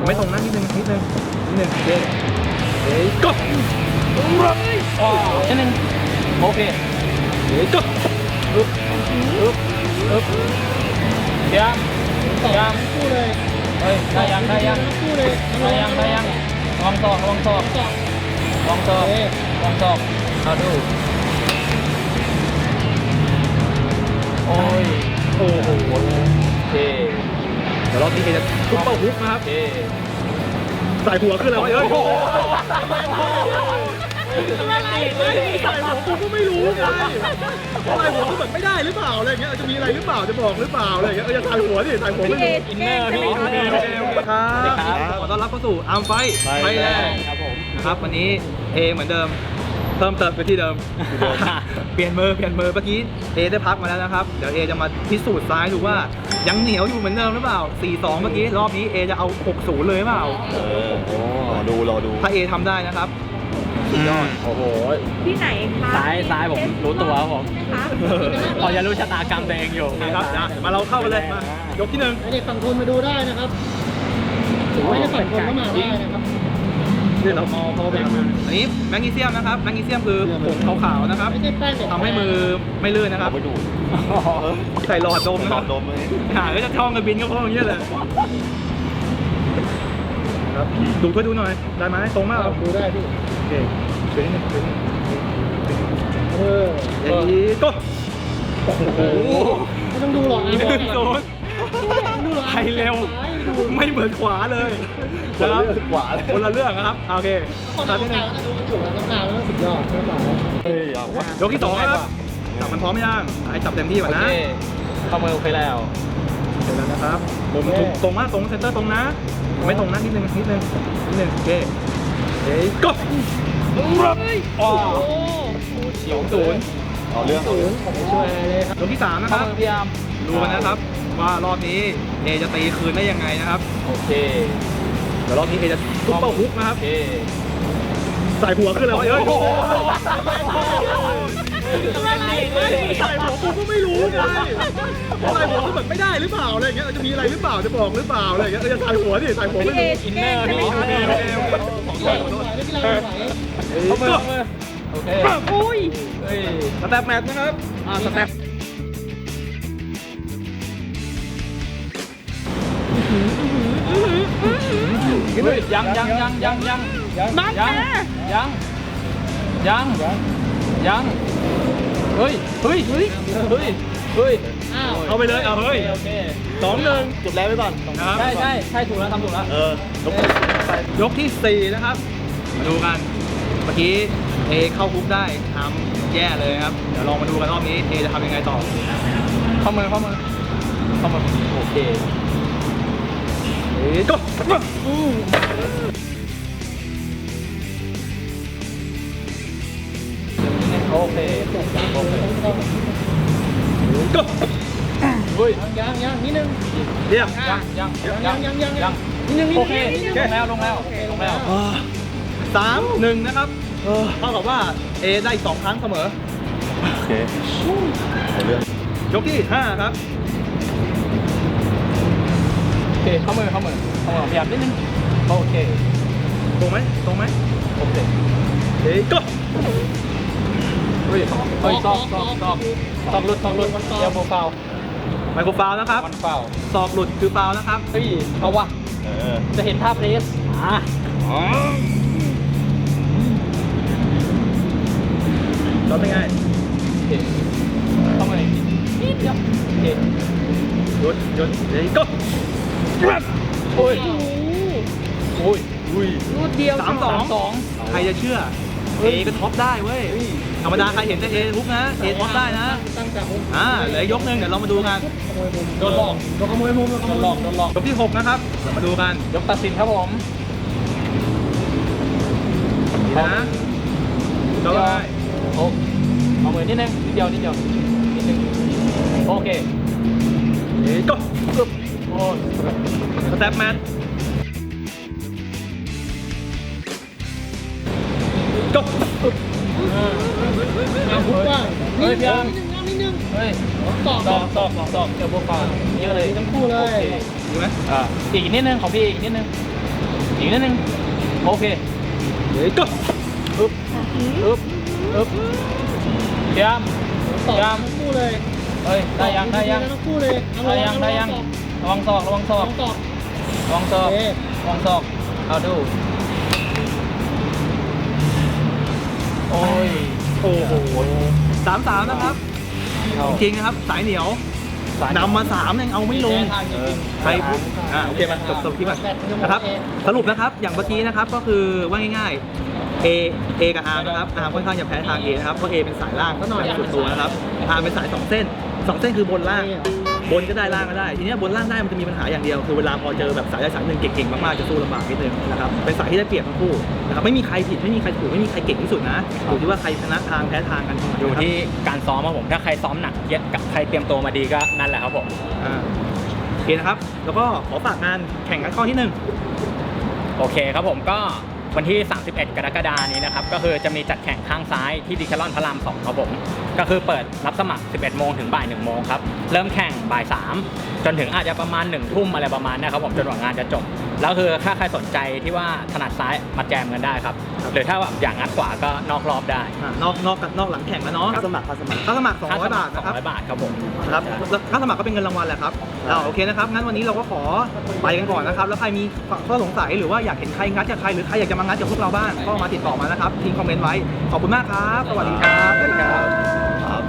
ไม่ตรงนะนิดนึงโอเคเฮ้ยก็นิดนึงโอเคเฮ้ยก็ยังคู่เลยเฮ้ยได้ยังคู่เลยลองศอกเอาดูโอ้ยโอ้โหโอเคเดี๋ยวรอบนี้เอจะซุปเปอร์ฮุกนะครับโอเคใส่หัวขึ้นแล้วเอ้ยใส่หัวกูก็ไม่รู้ไงใส่หัวก็แบบไม่ได้หรือเปล่าอะไรเงี้ยจะมีอะไรหรือเปล่าจะบอกหรือเปล่าอะไรเงี้ยจะใส่หัวดิใส่หัวไม่รู้อินเนอร์พี่ครับขอต้อนรับเข้าสู่อาร์มไฟแลนด์ครับผมนะครับวันนี้เอเหมือนเดิมเพิ่มเติมไปที่เดิมเปลี่ยนมือเมื่อกี้เอได้พักมาแล้วนะครับเดี๋ยวเอจะมาพิสูจน์ซ้ายดูว่ายังเหนียวอยู่เหมือนเดิมหรือเปล่า 4-2 เมื่อกี้รอบนี้เอจะเอา 6-0 เลยหรือเปล่ารอดูถ้าเอทำได้นะครับสุดยอดโอ้โหที่ไหนคะซ้ายผมรู้ตัวครับผมคะพอจะรู้ชะตากรรมตัวเองอยู่นะครับมาเราเข้ากันเลยมายกที่1 เด็กฝั่งทนมาดูได้นะครับถึงไม่ได้ฝั่งทนก็มาได้นะครับนี่เราพอเป็นอันนี้แมกนีเซียมนะครับแมกนีเซียมคือผงขาวๆนะครับไม่ใช่แป้งเด็กทำให้มือไม่ลื่นนะครับไปดูใส่หลอดดมหนะลคอรับดดมเลยหาก็จะท่องกับบินก็เพราะอย่างเงี้ยเลยครับดูช่วยดูหน่อยได้ไหมตรงมากดูได้พี่โอเคเฉยนิดนึงอย่างนี้ก็โอ้โหไม่ต้องดูหรอกนะบอกโดนไทยเร็วไม่เหมือนขวาเลยนะครับขวาเลยคนละเรื่องนะครับโอเคคนตามที่ที่หหนึ่นึ่งงดูมันอยู่แล้วต้องการแล้วสุดยอดไม่ต้องเฮ้ยเอาวะยกที่2ครับจับมันพร้อมยังไอ้จับเต็มที่ก่อนโอนะเคเข้ามือโอเคแล้วเสร็จแล้วนะครับผมตรงมากตรงเซนเตอร์ตรงนะไม่ตรงนะนิดนึงโอเคเฮ้ยก็อ๋อเฉียว0 เอาเรื่องผมไม่ช่วยอะไรเลยครับยกที่3นะคเข้ารับมือพยายามดูกันนะครับว่ารอบนี้เอจะตีคืนได้ยังไงนะครับโอเคเดี๋ยวรอบนี้เอจะซุปเปอร์ฮุกนะครับโอเคใส่หัวขึ้นแล้วเอ้ยใส่หัวกูก็ไม่รู้ไงใส่หัวก็แบบไม่ได้หรือเปล่าอะไรเงี้ยจะมีอะไรหรือเปล่าจะบอกหรือเปล่าอะไรเงี้ยจะใส่หัวดิใส่หัวไม่รู้อินเนอร์พี่เข้ามือโอเคอุ้ยเฮ้ยสแตปแมทนะครับสแตปเฮ้ยยังบังแกยังเฮ้ยอ้าวเอาไปเลยเอาเฮ้ยโอเค 2-1 จุดแรกไว้ก่อนนะครับใช่ถูกแล้วทำถูกแล้วยกที่4นะครับมาดูกันเมื่อกี้เอเข้าคุกได้ทำแย่เลยครับเดี๋ยวลองมาดูกันรอบนี้เอจะทำยังไงต่อเข้ามือโอเคเฮ้ยก็โอเคก็เฮ้ยยังนิดนึงเรียบยังโอเคลงแล้ว 3-1นะครับเท่ากับว่าเอได้อีก2 ครั้งเสมอโอเคเอาเรื่องยกที่5ครับโอเคเข้ามือพยายามนิดนึงโอเคตรงไหมโอเคเฮ้ยก็เฮ้ยซอกหลุดเดี๋ยวโบฟาวไมโครฟาวล์นะครับมันฟาวศอกหลุดคือฟาวล์นะครับเฮ้ยเอาวะเออจะเห็นท่าเพรสเราเป็นไงโอเคเข้ามือนิดเดียวโอเคหยุดเฮ้ยก็โอ้ยรูดเดียว 3-2 ใครจะเชื่อเอก็ท็อปได้เว้ยธรรมดาใครเห็นแต่เอทุกนะเอท็อปได้นะตั้งแต่ผมเหลือยกหนึ่งเดี๋ยวเรามาดูกันขโมยมุมโดนหลอกโดนขโมยมุมโดนหลอกยกที่ 6 นะครับเดี๋ยวมาดูกันยกตัดสินครับผมนี่นะเราได้โอ้เอามือนิดนึงนิดเดียวนิดนึงโอเคเฮ้ยก็โอ้ยสแตปแมทก็พุกว่าเฮ้ยพี่อาร์มนิดนึงเฮ้ยตอกเดี๋ยวโบฟาวเยอะเลยทั้งคู่เลโอย เคดีไหมอีกนิดนึงของพี่อีกนิดนึงอีกนิดนึงโอเคเฮ้ยก็อึ๊บอึ๊บอึ๊บเตรียมตอบยามทั้งคู่เลยเฮ้ยได้ยังได้ยังทั้งคู่เลยได้ยังได้ยังระวังศอกระวังศอกตอบระวังศอกโอเคระวังศอกเอาดูโอ้ยโอ้โห3-3นะครับ จริงๆนะครับ สายเหนียว นำมา3ยังเอาไม่ลงทางจริงใครโอเคมาจบที่มันนะครับ สรุปนะครับ อย่างเมื่อกี้นะครับ ก็คือว่าง่ายๆ A กับ R นะครับ R ค่อนข้างจะแพ้ทาง A นะครับ เพราะ A เป็นสายล่างก็หน่อยสุดตัวนะครับ R เป็นสาย2เส้น2เส้นคือบนล่าง บนก็ได้ล่างก็ได้ ทีนี้บนล่างได้มันจะมีปัญหาอย่างเดียว คือเวลาพอเจอแบบสายใดสายหนึ่งเก่งๆมากๆจะสู้ลำบากนิดนึงนะครับ เป็นสายที่ได้เปรียบทั้งคู่นะครับ ไม่มีใครผิดไม่มีใครถูกไม่มีใครเก่งที่สุดนะอยู่ที่ว่าใครชนะทางแพ้ทางกันอยู่ที่การซ้อมครับผมถ้าใครซ้อมหนักเยอะกับใครเตรียมตัวมาดีก็นั่นแหละครับผมโอเคนะครับ แล้วก็ขอฝากงานแข่งกันข้อที่โอเคครับผมก็วันที่ 31 กรกฎาคมนี้นะครับก็คือจะมีจัดแข่งข้างซ้ายที่ดีแคลอนพระราม 2 ครับผมก็คือเปิดรับสมัคร 11 โมงถึงบ่าย 1 โมงครับเริ่มแข่งบ่าย 3 จนถึงอาจจะประมาณ 1 ทุ่มอะไรประมาณนี้ครับผมจนกว่างานจะจบแล้วคือถ้าใครสนใจที่ว่าถนัดซ้ายมาแจมกันได้ครับหรือถ้าแบบอย่างงัดขวาก็นอกรอบได้นอกหลังแข่งแล้วเนาะค่าสมัครค่าสมัคร200 บาทนะครับ 200 บาทครับผมครับแล้วค่าสมัครก็เป็นเงินรางวัลแหละครับโอเคนะครับ งั้นวันนี้เราก็ขอไปกันก่อนนะครับ แล้วใครมีข้อสงสัยหรือว่าอยากเห็นใครงัดกับใครหรือใครอยากจะมางัดกับพวกเราบ้างก็มาติดต่อมานะครับทิ้งคอมเมนต์ไว้ ขอบคุณมากครับ สวัสดีครับ